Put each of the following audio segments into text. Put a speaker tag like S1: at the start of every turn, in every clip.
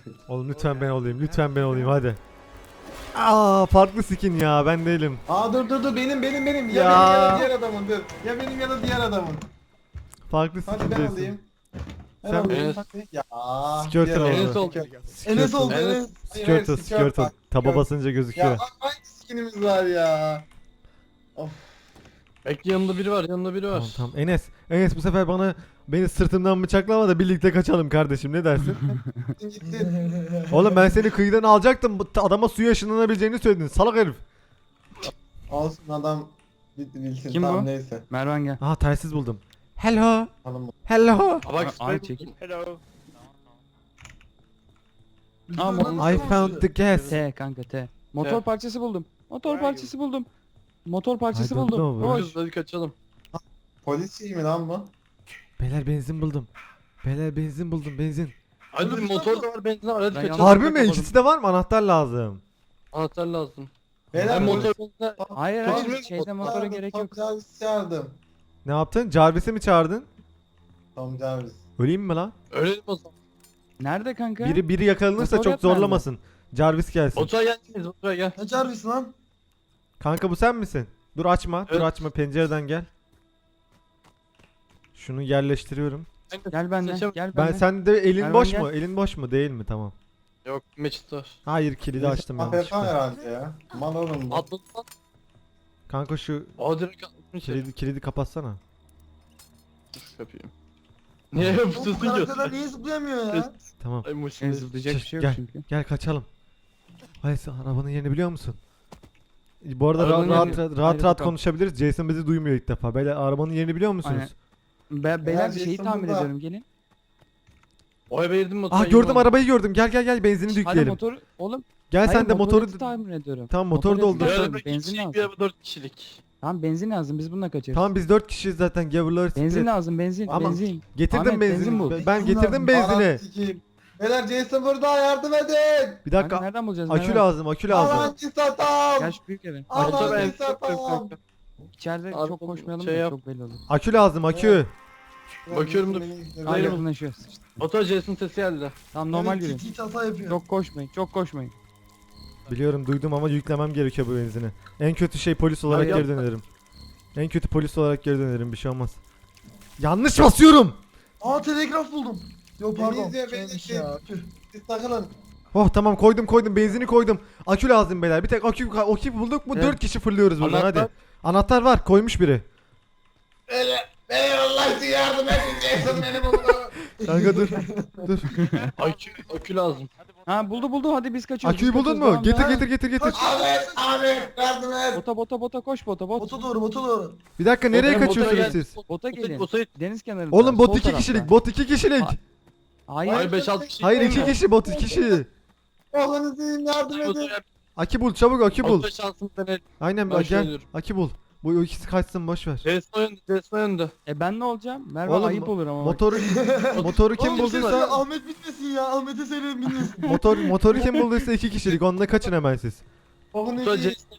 S1: Oğlum lütfen ben olayım. Lütfen ben olayım hadi. Aa farklı skin ya ben değilim.
S2: Aa dur benim. Ya,
S1: Ya.
S2: benim ya da diğer adamın dur. Ya benim ya da diğer adamın.
S1: Farklı skin
S2: Hadi ben
S1: değilsin.
S2: olayım.
S1: Sen-
S2: olayım.
S3: Enes.
S2: Ya.
S1: Skirtle
S2: diğer
S1: oldu.
S3: Enes oldu.
S2: Enes oldu
S3: Enes.
S2: Enes.
S1: Skirtle skirtle. Taba basınca
S2: Ya
S1: gözüküyor.
S2: hangi skinimiz var ya? Of.
S3: Bekle, yanında biri var, yanında biri var.
S1: Tamam tamam. Enes bu sefer beni sırtımdan bıçaklama da birlikte kaçalım kardeşim ne dersin?
S2: Gitti.
S1: Oğlum ben seni kıyıdan alacaktım. Adama suya ışınlanabileceğini söyledin. Salak herif.
S2: Olsun adam bilsin.
S4: Kim
S2: tamam,
S4: bu?
S2: neyse.
S4: Mervan gel.
S1: Aha telsiz buldum. Hello.
S2: Hanım.
S1: Hello.
S3: Aa, bak,
S4: Ay, çekil.
S3: Hello.
S4: Aa,
S1: I found the gas.
S4: T kanka T. Motor
S3: T.
S4: parçası buldum. Motor parçası buldum. Motor parçası
S1: I don't
S4: buldum.
S1: know, bro.
S4: Koş.
S3: Koş, hadi kaçalım.
S2: Polis şey mi lan bu?
S1: Beyler benzin buldum. Beyler benzin buldum benzin.
S3: Hadi motor da var, benzin de var, hadi
S4: Ben
S3: kaçalım.
S1: Harbi mi?
S4: kapadım.
S1: İkisi de var mı? Anahtar lazım.
S3: Anahtar lazım.
S2: Beyler
S3: Hem
S2: polis.
S3: motor benzin.
S4: Hayır
S2: Polis-
S4: hayır şeyde motora gerek yok.
S2: Tom Jarvis çağırdım.
S1: Ne yaptın? Jarvis'i mi çağırdın?
S2: Tom Jarvis.
S1: Öleyim mi lan?
S3: Ölelim o zaman.
S4: Nerede kanka?
S1: Biri yakalanırsa
S4: Motor
S1: çok
S4: yok bende.
S1: zorlamasın. Jarvis gelsin.
S3: Otura gelsiniz, otura gel.
S2: Ne Jarvis lan?
S1: Kanka bu sen misin? Dur açma. Dur
S3: Evet.
S1: açma. Pencereden gel. Şunu yerleştiriyorum.
S4: Gel benden.
S3: Seçem-
S4: Gel
S1: Ben
S4: benden.
S1: sen de elin
S4: Mervan
S1: boş
S4: gel.
S1: mu? Elin boş mu? Değil mi? Tamam.
S3: Yok, meçhut var.
S1: Hayır kilidi açtım
S2: AFK
S1: yanlışlıkla.
S2: herhalde ya. Mal oğlum bu.
S3: Atladı lan.
S1: Kanka şu
S3: Aa, direkt atlamış.
S1: kilidi kapatsana.
S3: Dur, yapayım. Niye yapıyorsun ki?
S2: niye zıplayamıyor ya?
S1: Tamam.
S3: Ay
S4: En
S3: maşallah.
S4: zıplayacak bir şey yok
S1: Gel.
S4: çünkü.
S1: Gel kaçalım. Hayır sen arabanın yerini biliyor musun? Bu arada
S3: Arabanın
S1: rahat
S3: yerini-
S1: rahat
S4: bakalım.
S1: konuşabiliriz. Jason bizi duymuyor ilk defa. Beyler arabanın yerini biliyor musunuz?
S4: Beyler bir
S2: Jason
S4: şeyi tamir
S2: burada.
S4: ediyorum gelin.
S3: O eve girdim motora.
S1: Ah gördüm arabayı gördüm. Gel benzini
S4: Hadi
S1: yükleyelim.
S4: motoru oğlum.
S1: Gel
S4: hayır,
S1: sen de motoru
S4: tamir ediyorum.
S1: Tamam, motoru
S4: Motoru
S1: doldur.
S4: yapacağım.
S3: Bir araba iki
S4: Benzin
S3: kişilik,
S4: lazım.
S3: bir araba 4 kişilik.
S4: Tamam benzin lazım biz bununla kaçarız.
S1: Tamam biz 4 kişiyiz zaten. Gavurları
S4: Benzin
S1: split.
S4: lazım benzin
S1: Ama-
S4: benzin.
S1: Getirdim
S4: Ahmet,
S1: benzini.
S4: benzin bul.
S1: Ben getirdim benzini.
S2: Arat sikeyim. Beyler Jason burada yardım edin.
S1: Bir
S4: Kanka
S1: dakika.
S4: nereden bulacağız?
S1: Akü
S4: Mervan?
S1: lazım, akü lazım.
S2: Alancı satam.
S4: Gel şu büyük eve.
S3: Motor
S2: Alancı
S3: benzin
S2: satam.
S4: İçeride
S3: Abi,
S4: çok koşmayalım
S3: şey
S4: da
S3: yap.
S4: çok belli olur.
S1: Akü lazım, akü.
S3: Bakıyorum da-
S4: Hayır buna şu.
S3: Motor Jason sesi geldi.
S4: Tamam normal yürüyün.
S2: Tit hata yapıyor.
S4: Çok koşmayın çok koşmayın.
S1: Biliyorum duydum ama yüklemem gerekiyor bu benzini. En kötü şey polis olarak
S3: Hayır,
S1: geri dönerim. En kötü polis olarak geri dönerim, bir şey olmaz. Yanlış basıyorum.
S5: Aa telegraf buldum. Yok pardon.
S2: Denizli'ye
S5: Şeymiş
S2: benzin.
S5: ya. Tüh.
S2: Siz takılın.
S1: Oh tamam koydum benzini koydum. Akü lazım beyler. Bir tek akü bulduk mu
S3: Evet.
S1: 4 kişi fırlıyoruz buradan
S3: Anahtar-
S1: hadi. Anahtar var, koymuş biri.
S2: Beyler Allah için yardım edin. Jason beni buldu.
S1: Kanka dur. Dur.
S3: Akü lazım.
S4: Ha buldu hadi biz kaçıyoruz.
S1: Aküyü
S4: biz
S1: buldun
S4: kaçıyoruz,
S1: mu?
S4: devam,
S1: Getir
S4: devam.
S1: getir.
S2: Ahmet yardım et.
S4: Bota koş bota.
S5: Bota doğru.
S1: Bir dakika nereye
S3: Bota
S1: kaçıyorsunuz
S3: gel.
S1: siz?
S4: Bota gelin.
S3: Bota
S4: Deniz kenarında.
S1: Oğlum bot
S4: sol
S1: 2
S4: tarafta.
S1: kişilik, bot 2 kişilik.
S4: Hayır.
S3: Hayır 5-6 kişi.
S1: Hayır
S3: değil
S1: 2
S3: mi?
S1: kişi, bot 2 kişi.
S2: Oğlunuz için yardım edin.
S1: Akü bul, çabuk akü bul.
S3: Motor şansını deneyelim.
S1: Aynen
S3: Ben
S1: gel.
S3: söylüyorum.
S1: Akü bul. Bu ikisi kaçsın boş ver.
S3: Jason önde.
S4: Ben ne olacağım? Mervan
S1: Oğlum,
S4: ayıp olur ama. bak.
S1: Motoru kim
S5: Oğlum, bir şey
S1: bulduysa
S5: söyle, Ahmet bitmesin ya. Ahmet'e söyleyin bilmesin.
S1: motoru kim bulduysa 2 kişilik. Onunla kaçın hemen siz.
S2: Oğlunuz
S3: Motor
S2: için.
S3: Jason.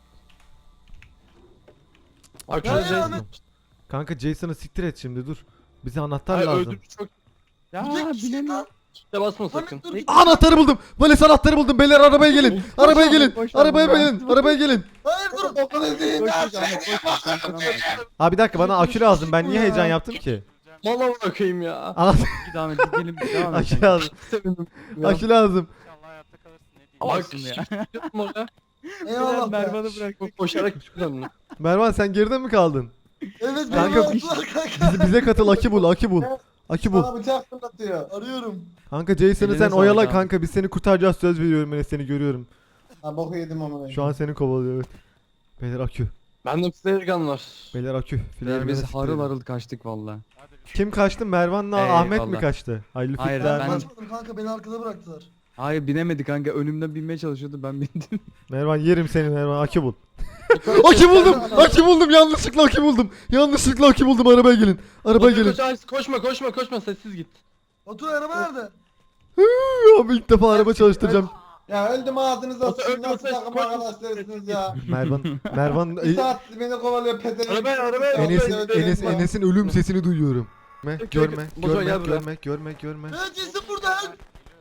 S3: Akü
S5: Ya,
S3: Jason.
S5: Ahmet.
S1: Kanka Jason'ı siktir et şimdi dur. Bize anahtar
S3: Hayır
S1: lazım.
S3: öldürmüş çok.
S4: Ya
S5: Bu tek kişi
S4: bilemiyorum.
S5: lan.
S3: İşte basma sakın.
S5: Ahmet dur git.
S1: Anahtarı buldum. Vales anahtarı buldum. Beyler arabaya gelin. Arabaya
S4: Ahmet,
S1: gelin.
S4: koş
S1: Arabaya
S4: Ahmet.
S1: gelin. Arabaya gelin.
S5: Hayır dur.
S2: Oğlunuz için
S4: Koş
S2: yardım
S4: Ahmet koş. Sen sana bak.
S1: Abi bir dakika bana akü lazım. Ben niye heyecan yaptım ki?
S3: Mala bırakayım ya.
S1: Anahtar
S4: Git Ahmet gidelim. Devam et.
S1: akü lazım.
S3: Sevindim.
S1: Akü lazım.
S3: Bak
S4: Olsun ya.
S3: çıktım oraya.
S5: Eyvallah. be.
S4: Mervan'ı bırak.
S3: Koşarak çıktım ben.
S1: Mervan sen geride mi kaldın?
S5: Evet
S1: Kanka,
S5: beni aldılar kanka.
S1: Bize katıl, akü bul, akü bul. Akü bul.
S2: Bana bıçak fırlatıyor.
S5: Arıyorum.
S1: Kanka Jason'ı
S4: Eline
S1: sen
S4: sağlık
S1: oyala
S4: abi.
S1: kanka. Biz seni kurtaracağız, söz veriyorum, ben seni görüyorum.
S2: Ha boku yedim ama.
S1: Şu an seni kovalıyor evet. Beyler akü.
S3: Bende flare gun var.
S1: Beyler akü.
S4: Beyler biz
S1: Flare'ı
S4: harıl
S1: siktirelim.
S4: harıl kaçtık valla.
S1: Kim kaçtı? Mervan'la
S4: Eyvallah.
S1: Ahmet mi kaçtı? Hayırlı
S4: Hayır,
S1: fikirler.
S4: ben-
S5: Kaçmadım kanka beni arkada bıraktılar.
S4: Hayır binemedi kanka önümden binmeye çalışıyordu ben bindim.
S1: Mervan yerim seni Mervan, akü bul. Akü buldum. Akü buldum. Yanlışlıkla akü buldum. Yanlışlıkla akü buldum. Arabaya gelin. Arabaya gelin.
S3: Koşma sessiz git.
S5: Batu araba nerede?
S1: Abi ilk defa araba çalıştıracağım.
S2: Ya öldüm ağzınıza
S3: Batu,
S2: sıçın.
S3: öldüm,
S2: Nasıl
S3: koş,
S2: takım
S3: koş.
S2: arkadaşlarısınız ya.
S1: Mervan
S2: Bir saat beni kovalıyor pezevenk.
S3: Arabaya.
S1: Enes'in ölüm sesini duyuyorum. Görme,
S3: Batu, gel buraya.
S1: görme.
S5: Evet Jason burada.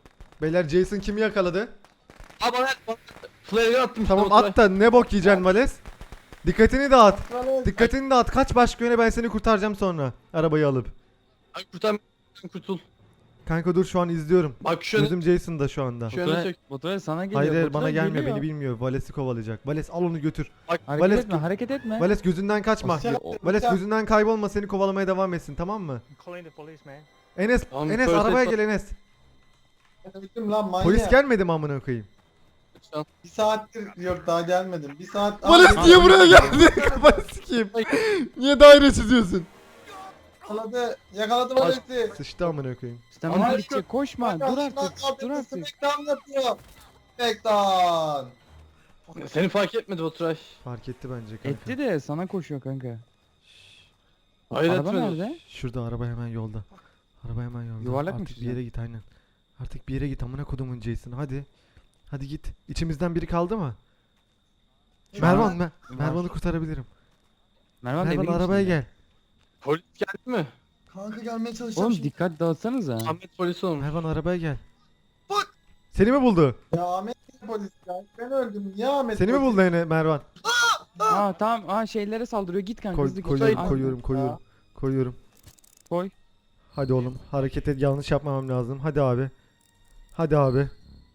S1: Beyler Jason kimi yakaladı?
S3: Abi bana flare attım.
S1: Tamam
S3: işte,
S1: at da ne bok yiyeceksin Vales? Dikkatini dağıt. Dikkatini dağıt. Kaç başka yöne, ben seni kurtaracağım sonra. Arabayı alıp.
S3: Ay kurtul.
S1: Kanka dur şu an izliyorum.
S3: Bak şu yöne,
S1: Gözüm Jason'da şu anda.
S3: şu yöne çek.
S4: Baturay sana geliyor.
S1: Hayır hayır
S4: Baturay
S1: bana gelmiyor,
S4: geliyor.
S1: beni bilmiyor. Vales'i kovalayacak. Vales al onu götür.
S4: Hareket
S1: Vales-
S4: etme, hareket etme.
S1: Vales gözünden kaçma. Vales gözünden kaybolma, seni kovalamaya devam etsin, tamam mı?
S6: Calling the police, man.
S1: Enes,
S3: Tamam,
S1: Enes
S3: first
S1: arabaya
S3: aid-
S1: gel Enes.
S2: Öldüm lan manyak.
S1: Polis gelmedi mi amına koyayım?
S2: Bir saattir yok daha gelmedim. Bir saat.
S1: Vales
S2: Aa,
S1: niye buraya geldi? Kafanı sikeyim. Niye daire çiziyorsun?
S2: Yakaladım Vales'i.
S1: Sıçtı amına koyayım.
S4: Stamina
S3: Ama-
S4: gidecek, koşma. Dur artık. Dur artık.
S2: Smackdown yapıyor. Smackdown.
S3: Seni fark etmedi Baturay.
S1: Fark etti bence kanka.
S4: Etti de sana koşuyor kanka.
S3: Hayır
S4: Araba
S3: etmedi.
S4: nerede?
S1: Şurada araba hemen yolda. Araba hemen yolda.
S4: Yuvarlak mı
S1: Artık bir
S4: çizeceğim?
S1: yere git aynen. Artık bir yere git amına kodumun Jason, hadi. Hadi git. İçimizden biri kaldı mı? Mervan ben. Mervan'ı kurtarabilirim.
S4: Mervan,
S1: Mervan
S4: evine
S1: arabaya
S4: gitsin.
S1: gel.
S3: Polis geldi mi?
S5: Kanka gelmeye çalışacağım
S4: Oğlum
S5: şimdi.
S4: dikkat dağıtsanıza.
S3: Ahmet polis olmuş.
S1: Mervan arabaya gel.
S5: Bak!
S1: Seni mi buldu?
S2: Ya Ahmet polis ya. Ben öldüm. Niye Ahmet
S1: Seni mi
S2: polis?
S1: buldu yine Mervan?
S4: Aa tamam. Aa şeylere saldırıyor. Git kanka. hızlı git.
S1: Koyuyorum,
S4: Aa,
S1: koyuyorum.
S4: Koy.
S1: Hadi oğlum, hareket et, yanlış yapmamam lazım. Hadi abi. Hadi abi.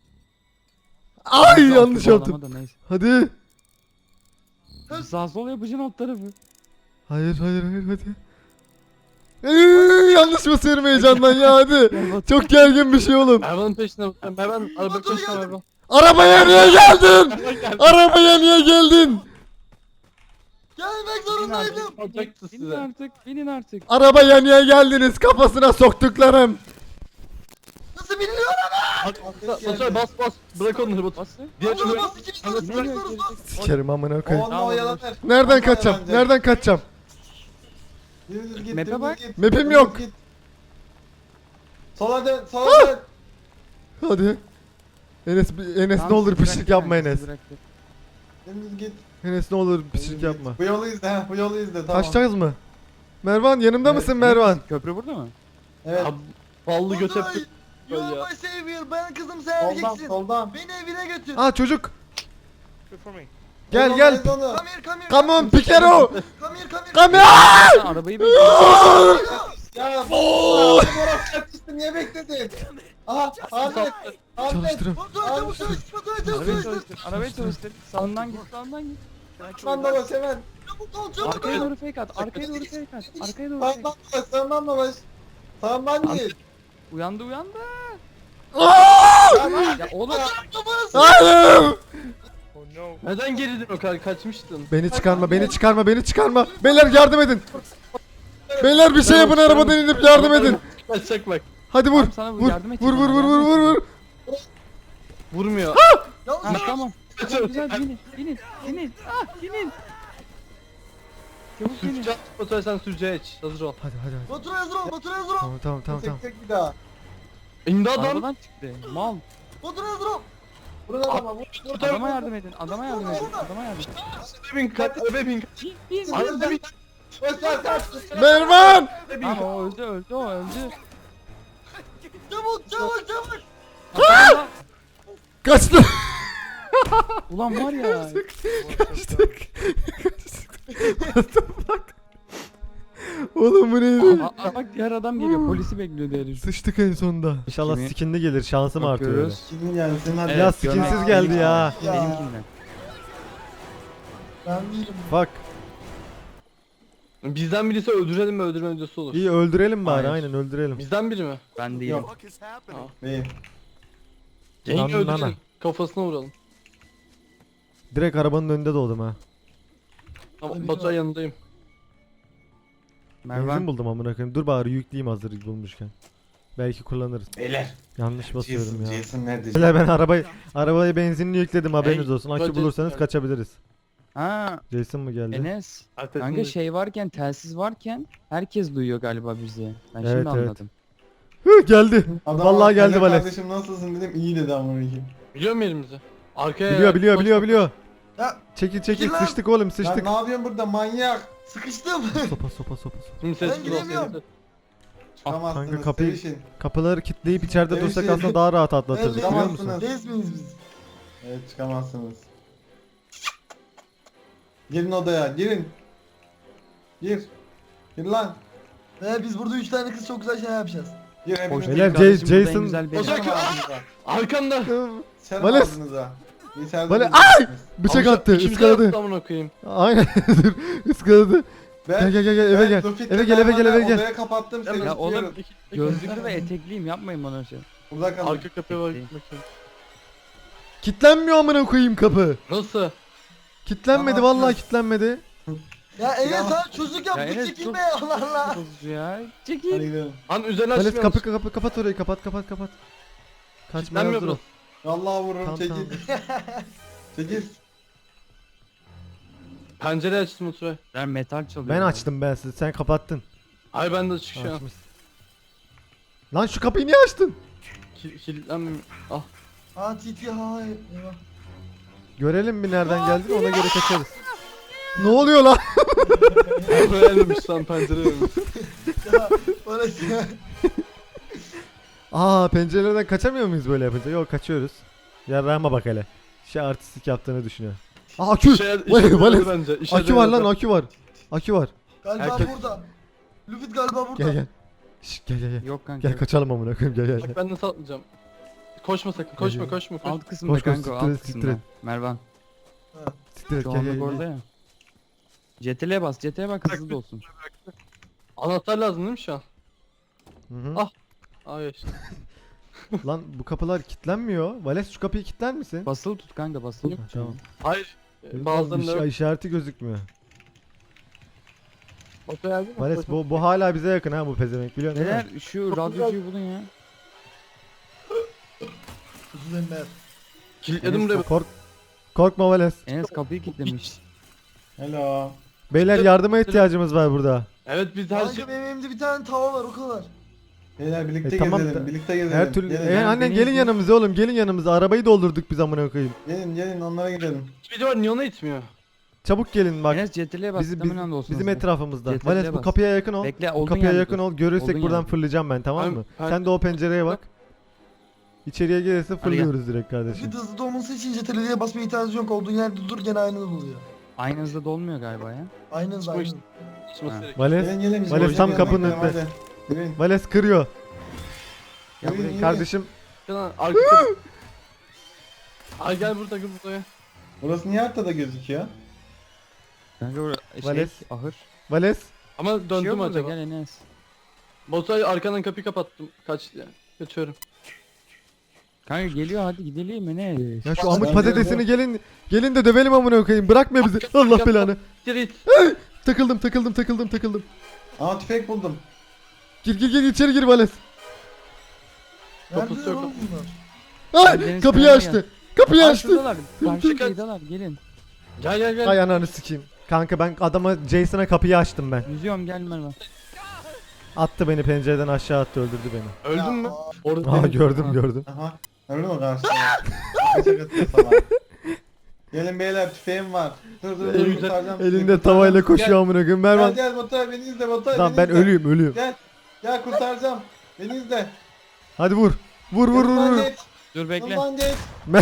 S1: Ay
S4: Hızlı
S1: yanlış
S4: altı
S1: yaptım.
S4: bağlama da neyse.
S1: Hadi.
S4: Sağ sol yapacaksın alt tarafı.
S1: Hayır hadi. Yanlış basıyorum heyecandan ya, hadi. Çok gergin bir şey oğlum.
S3: Mervan'ın peşine Baturay. Mervan araba peşine Mervan.
S1: Arabaya niye geldin? Arabaya niye geldin?
S5: Gelmek
S4: Binin
S5: zorundaydım.
S4: artık.
S3: Alacaktı
S4: Binin
S3: size.
S4: artık. Binin artık.
S1: Arabaya niye geldiniz? Kafasına soktuklarım.
S5: Nasıl biliniyor?
S3: Baturay bas. Bırak onları Baturay.
S4: Bası.
S3: Diğer
S5: Allah'ım
S3: türlü.
S5: nasıl ikimiz nasıl
S4: Yine
S5: bas
S4: gel,
S5: bas bas.
S1: Sikerim amına koyayım.
S2: Onunla oyalanır.
S1: Nereden kaçacağım? Nereden kaçacağım?
S2: Dümdüz git.
S4: Map'e
S2: dümdüz
S4: bak.
S2: git,
S1: Map'im
S2: dümdüz
S1: yok.
S2: git. Sola dön. Sola dön.
S1: Hadi. Enes ne
S4: Tamam,
S1: olur
S4: sizi
S1: pişlik
S4: bıraktı
S1: yapma
S4: kanka,
S1: Enes.
S4: sizi bıraktı.
S2: Dümdüz git.
S1: Enes ne olur
S2: Dümdüz
S1: pişlik
S2: git.
S1: yapma.
S2: Bu yolu izle. Bu yolu izle. Tamam.
S1: Kaçacağız mı? Mervan yanımda
S2: Evet,
S1: mısın Mervan?
S4: Köprü burada mı?
S2: Evet.
S3: Abi, ballı göt
S5: Baturay,
S3: yaptık.
S5: You
S3: Ya.
S5: are my savior. Ben kızım sen
S2: Soldan
S5: erkeksin.
S2: soldan.
S5: Beni evine götür.
S1: Aa çocuk.
S6: Good for me.
S1: Gel
S2: Oradan
S1: gel.
S2: ez onu.
S5: Come here come here.
S1: Come on Pikero.
S5: Come here come here.
S1: Come here.
S4: Sen arabayı bekliyorsun.
S2: Ya orası yatıştı. Niye bekledin? Aha Ahmet. Ahmet.
S1: Çalıştırın.
S5: Baturay çabuk çalış. Baturay çabuk
S4: Arabayı
S5: çalış.
S4: çalıştır. Arabayı çalıştır. Sağından git. Sağından git.
S2: Lan dolaş hemen.
S5: Çabuk ol çabuk
S4: Arkaya
S5: ol.
S4: doğru fake at. Arkaya doğru fake at. Arkaya doğru fake
S2: Sağından
S4: at.
S2: dolaş. Sağından dolaş. Sağından git.
S4: Uyandı.
S1: Aa!
S4: Ya oğlum.
S1: Hayır.
S6: Oh no.
S3: Neden geri dön o kadar kaçmıştın?
S1: Beni çıkarma. Beyler yardım edin. Beyler bir şey yapın, arabadan inip yardım edin.
S3: Kaçacak bak.
S1: Hadi vur.
S4: Tamam, sana
S1: Vur.
S4: yardım edecek
S1: Vur
S4: ona, yardım
S1: vur.
S3: Vurmuyor.
S4: Ha tamam. Tamam, güzel binin. Binin. Çabuk binin.
S3: Sürücü Baturay sen sürücüye geç. Hazır ol.
S1: Hadi.
S5: Baturay hazır ol. Baturay hazır ol.
S1: Tamam.
S2: Tek tek bir daha.
S3: İmdat adam.
S4: Arabadan çıktı. Mal.
S5: Baturay hazır ol.
S2: Vurun adama vur.
S4: Adama yardım edin. Adama yardım edin.
S3: Bin kaç. Arabaya bin kaç.
S4: Bin.
S3: Arabaya bin.
S2: Koş lan.
S1: Mervan.
S4: Tamam o öldü.
S5: Çabuk.
S4: Adamla-
S1: Kaçtı.
S4: Ulan var ya.
S1: Kaçtık. What the fuck? Oğlum bu neydi?
S4: Bak diğer adam geliyor. Polisi bekliyor diye düşün.
S1: Sıçtık en sonunda. İnşallah
S4: Kimi?
S1: skinli gelir, şansım artıyor. öyle.
S4: Bakıyoruz.
S2: Kimin gelsin hadi.
S4: Evet,
S1: Ya skinsiz geldi ya.
S4: Benimkinden.
S2: Ben değilim.
S1: Bak
S3: Bizden birisi öldürelim mi öldürme videosu olur.
S1: iyi öldürelim bari,
S4: Hayır.
S1: aynen öldürelim.
S3: Bizden biri mi?
S4: Ben değilim.
S2: Yok. Değil.
S3: Yenge
S1: Lan,
S3: öldürelim.
S1: lan.
S3: Kafasına vuralım.
S1: Direkt arabanın önünde doğdum ha.
S3: Tamam Baturay yanındayım.
S1: Benzin
S4: Mervan.
S1: buldum amına koyayım. Dur bari yükleyeyim hazır bulmuşken. Belki kullanırız.
S2: Beyler.
S1: Yanlış basıyorum ya.
S2: Jason nerede?
S1: Beyler ben arabaya benzinini yükledim, haberiniz
S3: Hey,
S1: olsun. Akü
S3: Jason
S1: bulursanız
S3: geldi.
S1: kaçabiliriz.
S4: Ha
S1: Jason mı geldi?
S4: Enes. Kanka
S3: Arkasında.
S4: şey varken telsiz varken herkes duyuyor galiba bizi. Ben
S1: Evet,
S4: şimdi
S1: evet.
S4: anladım.
S1: Hı, geldi.
S2: Adam,
S1: Vallahi geldi
S2: "Selam
S1: Vales.
S2: Kardeşim nasılsın dedim iyi dedi amına koyayım.
S3: Biliyor mu yerimizi? Arkaya.
S1: Biliyor.
S5: Ya
S1: Çekil
S5: Çekil lan.
S1: sıçtık oğlum
S2: Lan
S1: sıçtık.
S2: ne yapıyorsun burada manyak?
S5: sıkıştım.
S1: Sopa.
S3: Şimdi
S5: Ben
S3: sessiz ol.
S5: gidemiyorum.
S3: sessiz ol.
S2: Çıkamazsınız.
S1: Kanka kapıyı-
S2: Sevişin.
S1: Kapıları kilitleyip içeride
S2: Evet,
S1: dursak
S2: şey-
S1: aslında daha rahat atlatırdık biliyor musun?
S2: Çıkamazsınız.
S5: Reis miyiz biz?
S2: Evet çıkamazsınız. Girin odaya girin. Gir. Gir lan.
S5: Biz burada 3 tane kız çok güzel şeyler yapacağız.
S2: Gir hepiniz.
S1: Beyler,
S4: Kardeşim, burada en
S1: Jason-
S4: güzel benim.
S3: Ozan-
S2: Sıçarım ağzınıza.
S3: Arkanda.
S2: Sıçarım
S1: Vales.
S2: ağzınıza. İçeride
S1: Vales-
S2: duracaksınız.
S1: Bıçak
S3: Amca,
S1: attı,
S3: ikimize
S1: ıskaladı.
S3: yaptı amına koyayım.
S1: Aynen dur, ıskaladı.
S2: Ben,
S1: Gel eve
S2: ben
S1: gel.
S2: Luffy'le
S1: Eve gel, eve gel, eve gel.
S2: Odaya kapattım seni
S4: Ya oğlum,
S2: tutuyorum.
S4: Gözlüklü ve etekliyim, yapmayın bana şey.
S2: Burada kalın.
S3: Arka kapıya bak
S4: Bekleyin.
S3: bakayım.
S1: Kitlenmiyor amına koyayım kapı.
S3: Nasıl?
S1: Kitlenmedi
S2: Tamam,
S1: vallahi
S2: dur.
S1: kitlenmedi.
S5: Ya Enes
S2: Ya-
S5: sana çocuk
S4: Ya
S5: yaptık
S4: Enes
S5: çekilme
S4: çok-
S5: Allah Allah.
S4: Bozucu ya.
S2: Hadi
S4: Çekil.
S2: gidelim.
S3: Lan üzerine
S1: Vales
S3: açmıyor
S1: kapı kapat orayı kapat. Kaçmaya
S3: Kitlenmiyor
S1: hazır ol.
S3: burası.
S2: Vallahi vururum
S1: Tamam,
S2: çekil.
S1: tamam.
S2: Çekil.
S3: Pencere açtım Oturay.
S4: Ben metal çalıyorum.
S1: Ben açtım ben sizi sen kapattın.
S3: Ay ben de açık şu an.
S1: Açmışsın. Lan şu kapıyı niye açtın?
S3: Kilitlenmiyor. Ah.
S5: Ha TT ha eyvah.
S1: Görelim bir nereden geldiğini ona göre kaçarız. Ne oluyor lan?
S3: Öğrenmemiş lan pencere ölmüş.
S5: Ya orası ya.
S1: Aa pencereden kaçamıyor muyuz böyle yapınca? Yok kaçıyoruz. Yarrağıma bak hele. Şey artistik yaptığını düşünüyor. Aa akü! Vales!
S3: bence.
S1: Akü var lan akü var. Akü var.
S5: Galiba
S3: Herkes-
S5: burada. Lüfit galiba burada.
S1: Gel. Şşş gel.
S4: Yok kanka.
S1: Gel kaçalım amına koyayım gel.
S3: Bak ben nasıl atlayacağım. Koşma sakın. Koşma
S1: Gel.
S3: koşma.
S4: Alt kısımda
S1: Koş, koş,
S4: kanka,
S1: siktir et,
S4: alt
S1: siktir
S4: kısımda.
S1: et.
S4: Mervan.
S1: Siktir et
S4: Şu
S1: gel
S4: anlık
S1: gel.
S4: orada ya. CTRL'e bas, CTRL'e bak hızlı da olsun.
S3: Anahtar lazım değil mi şu an?
S1: Hı hı.
S3: Ah. Ay işte.
S1: Lan bu kapılar kilitlenmiyor. Vales şu kapıyı kilitler misin?
S4: Basılı tut kanka, basılı
S1: Ha,
S4: tut.
S1: tamam.
S3: Hayır. Bazılarında
S1: işareti gözükmüyor.
S3: Oto geldi mi?
S1: Vales bu hala bize yakın ha bu pezevenk biliyor musun? değil mi?
S4: Neler şu radyocuyu bulun ya.
S5: Kuzu Ember.
S3: Kilitledim buraya.
S1: Korkma Vales.
S4: Enes kapıyı kilitlemiş.
S2: Hello.
S1: Beyler yardıma ihtiyacımız var burada.
S3: Evet biz her şey...
S5: Kanka benim elimde bir tane tava var o kadar.
S2: Beyler birlikte
S1: tamam
S2: gezelim.
S1: da-
S2: Birlikte gezelim.
S1: Her türlü.
S2: Gelin,
S1: Annen
S4: beni
S1: gelin
S4: izle.
S1: yanımıza oğlum gelin yanımıza. Arabayı doldurduk biz amına koyayım.
S2: gelin onlara gidelim.
S3: Bir de var niye ona itmiyor?
S1: Çabuk gelin bak.
S4: Enes CTRL'e bas,
S1: Bizim,
S4: hemen anda olsun.
S1: bizim
S4: hızlı.
S1: etrafımızda.
S4: Yeterli
S1: Vales bu
S4: bas.
S1: kapıya yakın ol.
S4: Bekle,
S1: Bu
S4: olduğun
S1: kapıya
S4: yerde
S1: yakın
S4: dur.
S1: ol. Görürsek
S4: Olduğun
S1: buradan
S4: yerde.
S1: fırlayacağım ben tamam
S3: Ben-
S1: mı?
S3: ben-
S1: Sen de o pencereye bak. İçeriye gelirse fırlıyoruz direkt kardeşim.
S5: Lüfit hızlı dolması için CTRL'ye basmaya ihtiyacı yok. Olduğun yerde dur gene aynı oluyor.
S4: Aynı hızda dolmuyor galiba ya.
S5: Aynen
S3: Çıkma
S5: aynen.
S3: işte. Çıkması
S4: Ha.
S3: gerek.
S1: Vales,
S2: Gelin bizim
S1: Vales
S2: oraya
S1: tam
S2: gidelim,
S1: kapının
S2: gidelim,
S1: önünde.
S2: hadi. Yürüyün.
S1: Vales kırıyor.
S4: Ya
S2: Yürüyün,
S4: buraya
S2: yürüyün.
S1: Kardeşim
S3: Lan arka kapı. Ay gel burada gel buraya.
S2: Burası niye haritada gözüküyor?
S4: kanka buraya
S1: Vales.
S4: ahır.
S1: Vales.
S3: Ama
S4: Bir şey
S3: döndüm
S4: yok burada,
S3: acaba.
S4: gel Enes.
S3: Botay arkadan kapıyı kapattım. Kaç ya. Kaçıyorum.
S4: Kanka geliyor, hadi gidelim Enes.
S1: Ya şu
S2: Bas,
S1: amık
S2: ben
S1: patatesini gelin de dövelim amına koyayım. Bırakma bizi. Allah belanı.
S3: Git.
S1: Takıldım.
S2: Aa tüfek buldum.
S1: Gir içeri gir Vales.
S3: Kapısı
S5: Neredeler
S3: yok.
S5: oğlum bunlar?
S1: Ay
S4: Deniz
S1: kapıyı
S4: kenarına
S1: açtı. Kapıyı
S4: Aa,
S1: açtı.
S4: şuradalar. Karşı
S3: Çıkın.
S4: kıyıdalar, gelin.
S3: Gel.
S1: Ay ananı sikeyim. Kanka ben adama Jason'a kapıyı açtım ben.
S4: Yüzüyorum, gel Mervan.
S1: Attı beni pencereden aşağı attı öldürdü beni.
S3: Öldün mü?
S5: Ya,
S3: Orada
S1: Aa
S3: benim-
S1: gördüm.
S2: Aha. Öyle mi karşıda? Kaçak atıyor salak. Gelin beyler tüfeğim var. Dur
S3: Elinde-
S2: kurtaracağım sizi,
S1: Elinde
S2: kurtaracağım
S1: tavayla
S2: sizi.
S1: koşuyor amına koyayım.
S2: Gel
S1: Mervan.
S2: gel Baturay beni izle Baturay
S1: Lan
S2: beni
S1: ben
S2: izle.
S1: ölüyüm.
S2: Gel kurtaracağım. Beni izle.
S1: Hadi vur. Vur.
S2: Yanımdan geç.
S4: Dur bekle.
S2: Yanımdan geç.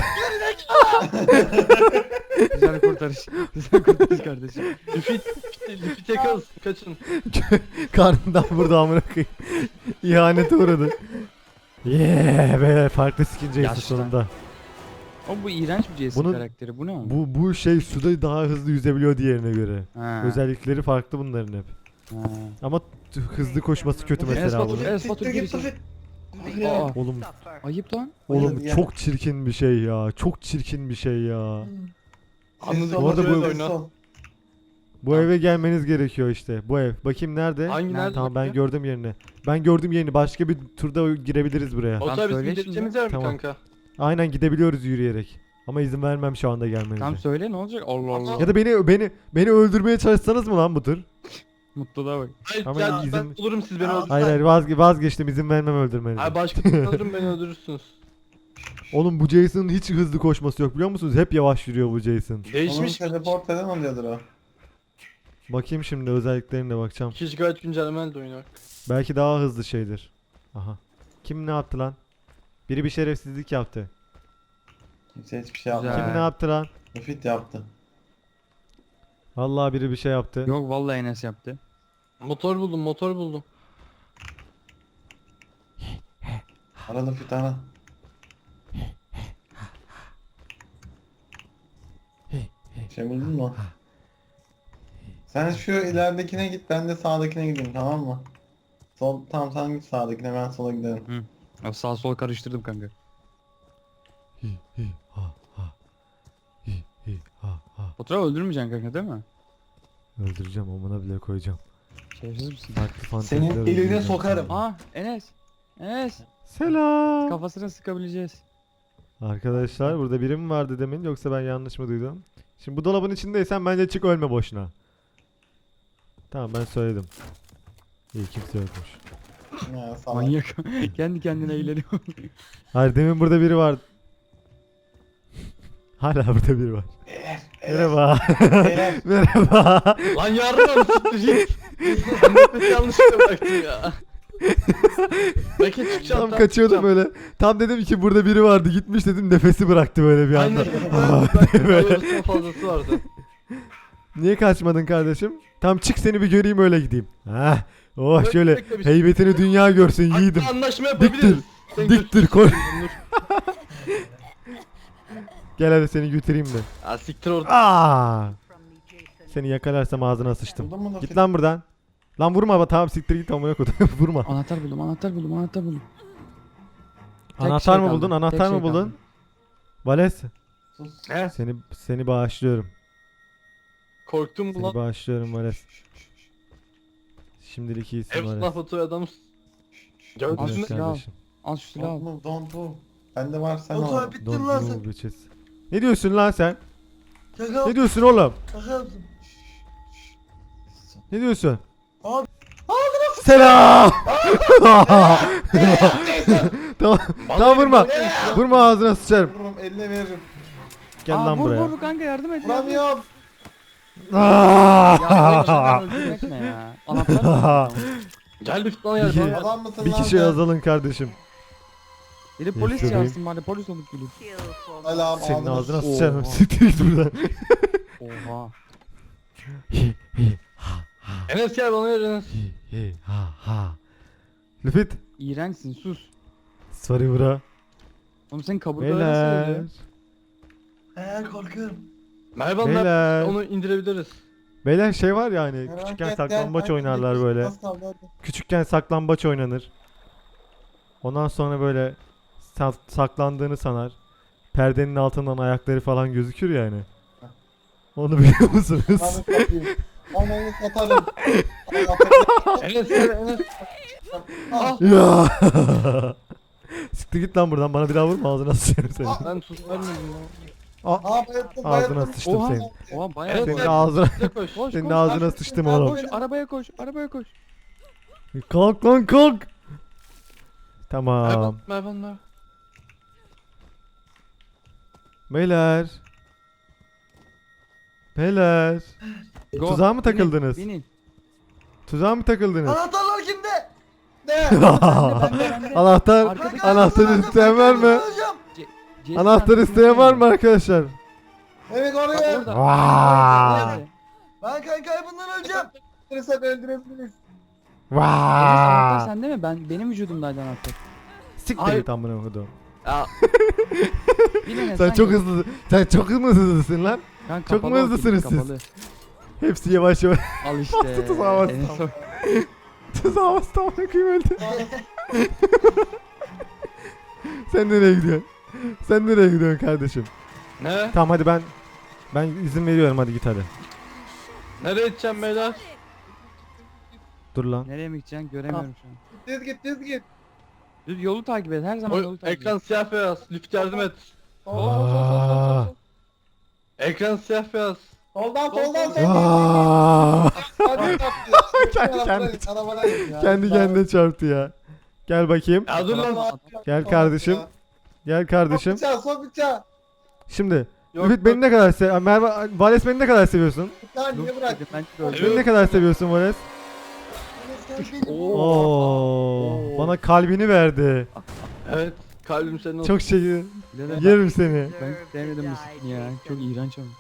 S4: Güzel kurtarış. Güzel kurtarış kardeşim.
S3: Lüfit yakarız. Kaçın.
S1: Karnından vurdu amına koyayım. İhanete uğradı. Yeah be farklı skin Jason
S4: Yaşlı.
S1: sonunda.
S4: Ama bu iğrenç bir Jason
S1: Bunun-
S4: karakteri. Bu ne oğlum?
S1: Bu şey suda daha hızlı yüzebiliyor diğerine göre.
S4: Ha.
S1: Özellikleri farklı bunların hep.
S4: Ha.
S1: Ama hızlı koşması kötü
S4: Enes
S1: mesela
S4: Batur,
S1: bunun.
S4: Enes Batur gir içeri. Aa,
S1: Oğlum
S4: ayıp lan.
S2: Ya.
S1: çok çirkin bir şey ya. Çok çirkin bir şey ya.
S3: Anladık.
S1: Bu arada bu-
S2: Sessiz ol.
S1: Bu eve gelmeniz gerekiyor işte. Bu ev. Bakayım nerede?
S3: Hangi nerede?
S1: Tamam ben gördüm yerini. Ben gördüm yerini. Başka bir turda girebiliriz buraya.
S3: Botay
S4: Tamam,
S3: bizim
S4: söyle
S3: gideceğimiz
S4: şimdi.
S3: yer mi
S1: Tamam.
S3: kanka?
S1: Aynen gidebiliyoruz yürüyerek. Ama izin vermem şu anda gelmenize.
S4: Tam söyle, ne olacak? Allah Allah.
S1: Ya da beni öldürmeye çalışsanız mı lan bu tur?
S4: Mutluluğa bak.
S3: Hayır
S1: Ama
S3: ya ben
S1: izin-
S3: bulurum siz beni
S5: Aa,
S3: öldürürsünüz.
S1: Hayır vazgeçtim izin vermem öldürmenize.
S3: Hayır başka türlü alırım beni öldürürsünüz.
S1: Oğlum bu Jason'ın hiç hızlı koşması yok biliyor musunuz? Hep yavaş yürüyor bu Jason.
S2: Onun
S3: Değişmiş.
S2: teleport falan oluyordur o.
S1: Bakayım şimdi özelliklerine bakacağım.
S3: 2 GB güncellemeyle de oynuyor.
S1: Belki daha hızlı şeydir. Aha. Kim ne yaptı lan? Biri bir şerefsizlik yaptı.
S2: Kimse hiçbir şey
S4: Güzel.
S2: yapmadı.
S1: Kim ne yaptı lan?
S2: Müfit yaptı.
S1: Vallahi biri bir şey yaptı.
S4: Yok vallahi Enes yaptı.
S3: Motor buldum, motor buldum.
S2: Ara Müfit ara. Şey buldun mu? Sen şu ileridekine git, ben de sağdakine gideyim, tamam mı? Tamam sen git sağdakine, ben sola giderim.
S4: Ya sağ sol karıştırdım kanka.
S1: Hi hi ha ha. Hi hi ha ha.
S4: Fotoğraf öldürmeyeceksin kanka değil mi?
S1: Öldüreceğim, amına bile koyacağım.
S4: Şerefsiz misin?
S1: Farklı fanteziler
S2: Senin eline
S1: öldüreceğim
S2: sokarım.
S1: seni.
S4: Aa Enes. Enes.
S1: Selam.
S4: Kafasına sıkabileceğiz.
S1: Arkadaşlar burada biri mi vardı demin, yoksa ben yanlış mı duydum? Şimdi bu dolabın içindeysen bence çık, ölme boşuna. Tamam, ben söyledim. İyi, kimse yokmuş.
S2: Ya salak.
S4: Manyak. Kendi kendine eğleniyor.
S1: Hayır, demin burada biri vardı. Hala burada biri var. Merhaba.
S2: Beyler,
S1: Merhaba.
S3: Lan yardım siktir git. Nefes yanlışlıkla bıraktım ya. Belki çıkacağım.
S1: Tam kaçıyordum böyle. Tam dedim ki burada biri vardı, gitmiş dedim, nefesi bıraktı böyle bir anda.
S3: Aynen. Yarısından fazlası vardı.
S1: Niye kaçmadın kardeşim? Tam çık, seni bir göreyim öyle gideyim. Hah. Oh
S3: Bekle,
S1: şöyle
S3: bekle bir şey.
S1: heybetini dünya görsün yiğidim.
S3: Hatta anlaşma yapabiliriz. Sen
S1: Diktir koy.
S3: Dur.
S1: Gel hadi seni götüreyim de.
S3: Ya siktir orada.
S1: Aa! Seni yakalarsam ağzına sıçtım.
S2: buldun mu
S1: Git
S2: Müfit?
S1: lan buradan. Lan vurma ama, tamam siktir git amına koyayım. Vurma.
S4: Anahtar buldum, anahtar buldum, anahtar buldum. Tek
S1: Anahtar
S4: şey
S1: mı
S4: kaldı,
S1: buldun?
S4: tek
S1: Anahtar
S4: şey
S1: mı buldun?
S4: kaldı.
S1: Vales,
S2: Sus.
S3: He?
S1: seni bağışlıyorum.
S3: Korktum mu
S1: Seni
S3: lan?
S1: bağışlıyorum Vales. Şimdilik iyisin
S3: Hep
S1: Vales.
S3: laf atıyor adam.
S4: Al
S3: Gördünüz
S4: şu
S3: mü?
S4: silahı al.
S1: kardeşim.
S4: Al şu silahı al.
S2: Don't move, don't move. Bende var, sen
S5: Batu
S2: al.
S5: abi bittin
S1: Don't
S5: lan
S1: move
S5: sen.
S1: bitches. Ne diyorsun lan sen?
S5: Şaka
S1: Ne diyorsun oğlum?
S5: şaka yaptım.
S1: Ne diyorsun?
S5: Abi.
S1: Selam. Tamam, tamam vurma. Vurma, ağzına sıçarım.
S2: Vururum, eline veririm.
S1: Gel
S4: Aa,
S1: lan
S4: vur,
S1: buraya.
S4: Vur kanka yardım et.
S2: Vuramıyorum.
S4: Ya böyle şeyler öldürmek ne ya? Anahtar mı?
S3: Gel bir lan
S1: Bir
S3: yer.
S1: şey-
S3: bana.
S2: Adam mısın
S1: Bir
S2: lan
S1: kişi
S2: sen?
S1: azalın kardeşim.
S4: Biri polis
S1: Yaşıyorum.
S4: çağırsın bari polis olup geleyim.
S2: Selam,
S1: Senin ağzına
S4: Oha.
S1: sıçarım. Siktir git buradan.
S4: Oha.
S3: Enes gel bana ver Enes.
S1: Lüfit.
S4: İğrençsin sus.
S1: Sorry bro.
S4: Oğlum senin kaburgaları nasıl
S1: Beyler.
S4: öyle?
S5: Korkuyorum.
S3: Merhaba
S1: Beyler.
S3: onu indirebiliriz.
S1: Beyler şey var ya hani,
S2: Merak
S1: küçükken
S2: etme,
S1: saklambaç
S2: hadi
S1: oynarlar
S2: gidelim.
S1: böyle.
S2: Az kaldı, hadi.
S1: Küçükken saklambaç oynanır. Ondan sonra böyle saklandığını sanar. Perdenin altından ayakları falan gözükür yani. Onu biliyor musunuz?
S2: Ananı satayım. Ananı satarım.
S3: Enes gel Enes.
S2: Ah,
S1: Ya. Siktir git lan buradan, bana bir daha vurma, ağzına sıçarım seni.
S3: Ben tuz vermedim ya.
S2: Aa, bayılttım,
S1: Ağzına
S2: bayılttım.
S1: sıçtım
S4: Oha.
S1: senin.
S4: Oha bayağı
S3: Evet,
S1: Senin
S3: evet.
S1: ağzına,
S3: Bize koş.
S4: Koş
S1: senin
S4: koş.
S1: ağzına
S2: koş.
S1: sıçtım
S2: Koş.
S1: oğlum.
S4: Koş arabaya koş arabaya koş.
S1: Kalk lan kalk. Tamam.
S3: Merhaba.
S1: Beyler. Beyler.
S4: Go.
S1: Tuzağa mı
S4: Binin,
S1: takıldınız?
S4: Binin.
S1: Tuzağa mı takıldınız?
S5: Anahtarlar kimde?
S2: Ne?
S4: Bende.
S1: Anahtar,
S4: Arkada-
S1: anahtarı isteyen var mı?
S5: Öleceğim.
S4: Jason
S1: Anahtar
S4: abi,
S1: isteyen var mı arkadaşlar?
S2: Evet
S4: Bak
S2: oraya.
S4: orada.
S1: Vaa.
S4: Nerede?
S5: Ben kankayı bundan öleceğim.
S2: Sen öldürebiliriz.
S4: Enes anahtar
S1: Vaa.
S4: sende mi? Benim vücudumdaydı anahtar.
S1: Siktir
S3: Hayır.
S1: git amına koydum.
S3: Ya
S4: Bin Enes,
S1: Sen çok
S4: gel.
S1: hızlı. Sen çok hızlısın lan.
S4: Lan
S1: çok
S4: kapalı
S1: mu
S4: o
S1: hızlısınız
S4: kilit,
S1: siz?
S4: kapalı.
S1: Hepsi yavaş yavaş.
S4: Al işte.
S1: Tuzağa bastım.
S4: Enes o.
S1: Tuzağa bastı amına koyayım, öldü. Sen nereye gidiyorsun? Sen nereye gidiyorsun kardeşim?
S3: ne?
S1: Tamam hadi ben izin veriyorum, hadi git hadi.
S3: Nereye gideceğim beyler?
S1: Dur lan.
S4: Nereye mi gideceksin göremiyorum şu an.
S2: Düz git, düz git.
S4: Düz yolu takip et her zaman yolu takip
S3: Ekran
S4: et.
S3: siyah beyaz. Lütfen yardım et.
S1: Aa.
S3: Ekran siyah beyaz.
S2: Soldan, soldan, soldan.
S1: Aa.
S2: Hadi
S1: Kendi kendine- Kendi kendine çarptı ya. Gel bakayım.
S3: Ya dur lan.
S1: Gel kardeşim. Gel kardeşim.
S2: Bıçağı, sok bıçağı.
S1: Şimdi
S3: Yok,
S1: Ümit beni ne kadar Merve, Vales beni ne kadar seviyorsun?
S2: Bıçağı niye
S4: Dur
S2: bırak?
S4: dedim, ben de öldüm.
S1: Beni ne kadar seviyorsun Vales? Oo, bana kalbini verdi.
S3: Evet. Kalbim senin olsun.
S1: Çok şey
S4: Birader,
S1: yerim seni.
S4: ben sevmedim bu skin ya. Çok iğrenç ama.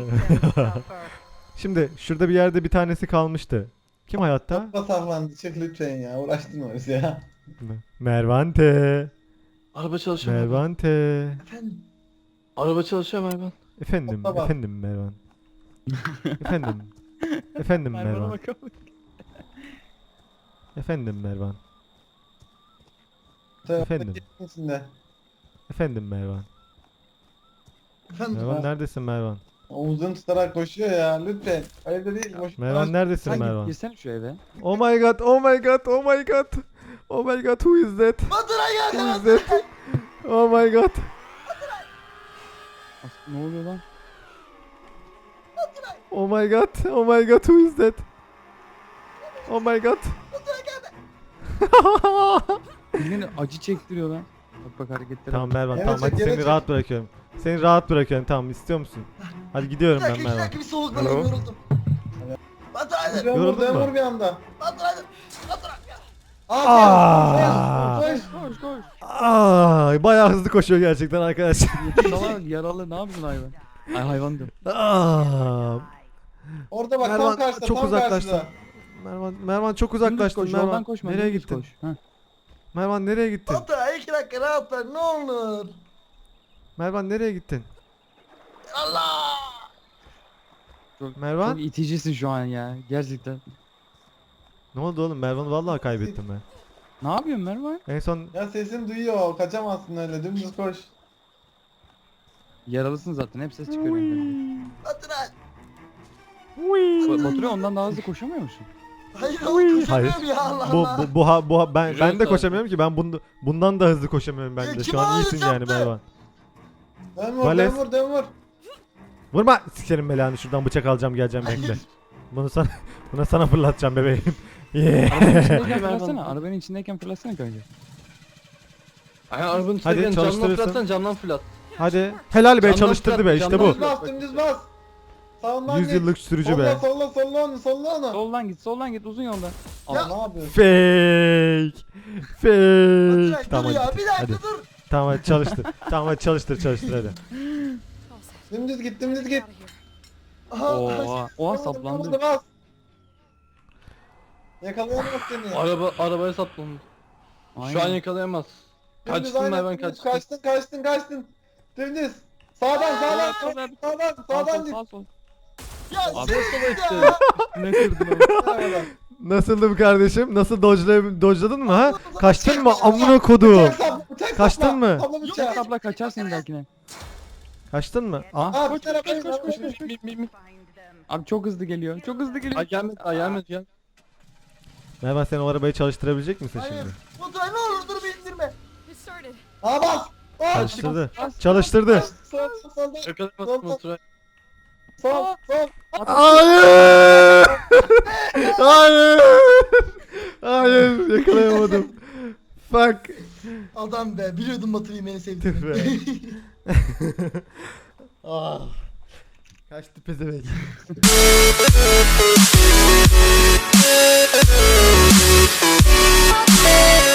S1: Şimdi şurada bir yerde bir tanesi kalmıştı. Kim hayatta?
S2: Topla saklandı çık lütfen ya uğraştırma bizi ya.
S1: Mervante.
S3: Araba çalışıyor Mervan.
S1: Mervante.
S5: Efendim.
S3: Araba çalışıyor Mervan.
S1: Efendim,
S2: Topla bak.
S1: efendim Mervan. Efendim. Efendim Mervan.
S4: bakalım.
S1: Efendim Mervan. Efendim.
S2: İçinde.
S1: Efendim Mervan.
S5: Efendim.
S1: Mervan neredesin Mervan?
S2: Omuzunu tutarak koşuyor ya lütfen. Öyle değil boş.
S1: Mervan neredesin
S4: Sen git
S1: Mervan?
S4: girsene şu eve.
S1: Oh my god, oh my god, oh my god. Oh my god, who is that?
S5: Baturay
S1: Who
S5: geldi.
S1: is that? Oh my god.
S4: Ne oluyor lan?
S1: Oh my god, oh my god, who is that? Oh my god.
S4: Birinin acı çektiriyor lan. Bak hareketlere.
S1: Tamam
S4: bak.
S1: Mervan,
S2: Gene
S1: tamam
S2: çek,
S1: hadi
S2: gene
S1: seni
S2: çek.
S1: rahat bırakıyorum. Seni rahat bırakıyorum, tamam istiyor musun? Hadi gidiyorum ben
S5: İki
S1: Mervan.
S5: dakika bir soluklanayım
S3: Alo.
S5: yoruldum. Baturay.
S1: Yoruldun
S2: Dön
S1: mu?
S2: vur bir anda.
S5: Baturay.
S1: Aa!
S2: Koş.
S4: Koş koş.
S1: Ay, bayağı hızlı koşuyor gerçekten arkadaşlar.
S4: Salak yaralı ne yapıyorsun hayvan? Ay hayvan diyorum.
S1: Aa!
S2: Orada bak
S1: Mervan,
S2: tam karşıda
S1: çok
S2: tam
S1: uzaklaştın.
S2: karşıda.
S1: Mervan çok
S4: Dümdüz
S1: uzaklaştın
S4: koş,
S1: Mervan.
S4: yoldan koşma.
S1: Nereye
S4: dümdüz
S1: gittin?
S4: Koş. Heh.
S1: Mervan nereye gittin?
S5: Baturay 2 dakika rahat ver ne olur.
S1: Mervan nereye gittin?
S5: Allah.
S1: Mervan?
S4: Çok iticisin şu an ya. Gerçekten.
S1: Ne oldu oğlum? Mervan'ı vallahi kaybettim ben.
S4: Ne yapıyorsun Mervan?
S1: En son
S2: Ya sesim duyuyor kaçamazsın öyle dümdüz koş.
S4: Yaralısın zaten. Hep ses çıkarıyor.
S5: Baturay.
S4: Batur'a ondan daha hızlı koşamıyor musun?
S5: Hayır oğlum
S1: Hayır.
S5: koşamıyorum ya Allah
S1: bu
S5: Allah.
S1: ben
S3: Yürüyorsun
S1: de
S3: zaten.
S1: koşamıyorum ki. Ben bundan da hızlı koşamıyorum ben
S5: Ya
S1: de.
S5: kim
S1: Şu an iyisin
S5: ağlayacak
S1: yani
S5: be?
S1: Mervan.
S2: Dön vur
S1: Vales.
S2: dön vur dön vur.
S1: Vurma! Sikerim belanı, şuradan bıçak alacağım geleceğim bekle. Buna sana fırlatacağım bebeğim. Yeah.
S4: Arabanın içindeyken fırlatsana. Arabanın içindeyken fırlatsana kanka.
S3: Aynen arabanın içine
S1: Hadi,
S3: gelin camdan
S1: çalıştırırsın.
S3: fırlatsan camdan fırlat.
S1: Hadi. Helal be,
S3: Camdan
S1: çalıştırdı be,
S3: fırlat,
S1: işte
S3: camdan
S1: bu.
S2: Dümdüz bas dümdüz bas. Sağından
S1: 100
S2: git.
S1: yıllık sürücü
S2: Solla
S1: be.
S2: solla onu solla onu.
S4: Soldan git uzun yoldan.
S2: Aa, ne yapıyorsun?
S1: Fake.
S5: Baturay
S1: Fake. Tamam
S5: dur ya
S1: hadi.
S5: bir dakika
S1: Hadi.
S5: dur.
S1: Tamam hadi çalıştır. Tamam hadi çalıştır hadi.
S2: Dümdüz git dümdüz git.
S5: Aha.
S4: Oha saplandı.
S2: Bas. Yakalayamaz seni.
S3: Arabaya saplandı. Şu an yakalayamaz.
S2: Dümdüz
S3: Kaçtın
S2: aynen,
S3: Mervan
S2: dümdüz
S3: kaçtın.
S2: kaçtın. Dümdüz. Sağdan
S4: Sağ
S2: git.
S4: sol.
S5: Ya
S3: Abi
S5: sen
S3: sola işte.
S5: ya.
S4: Ne kırdın oğlum?
S2: Sağdan.
S1: Nasıldım kardeşim? Nasıl dodge'ladın mı ha? Kaçtın mı? Amına kodum.
S2: Bıçak sapla, bıçak
S1: Kaçtın
S2: sapla.
S1: mı?
S2: Sapla
S4: Yok
S2: bıçak.
S4: abla kaçarsın belkine.
S1: Kaçtın mı? Ah.
S2: Aa,
S4: Koş
S2: bir tarafa
S4: koş. Abi çok hızlı geliyor. Çok hızlı geliyor.
S3: Ay gelmedi gel.
S1: Mervan, sen o arabayı çalıştırabilecek misin
S5: Hayır.
S1: şimdi?
S5: Baturay ne olur dur bir indirme.
S2: Aa bas. Bas.
S1: Çalıştırdı. Çalıştırdı.
S2: Sol.
S3: Yakalayamazsın Baturay.
S2: Sol.
S1: Hayır! Hayır! Hayır, yakalayamadım. Fuck.
S5: Adam be biliyordum Baturay'ı beni
S1: Tüh
S5: sevdiğini.
S1: be. Ah. Kaçtı pezevenk.
S7: Yeah.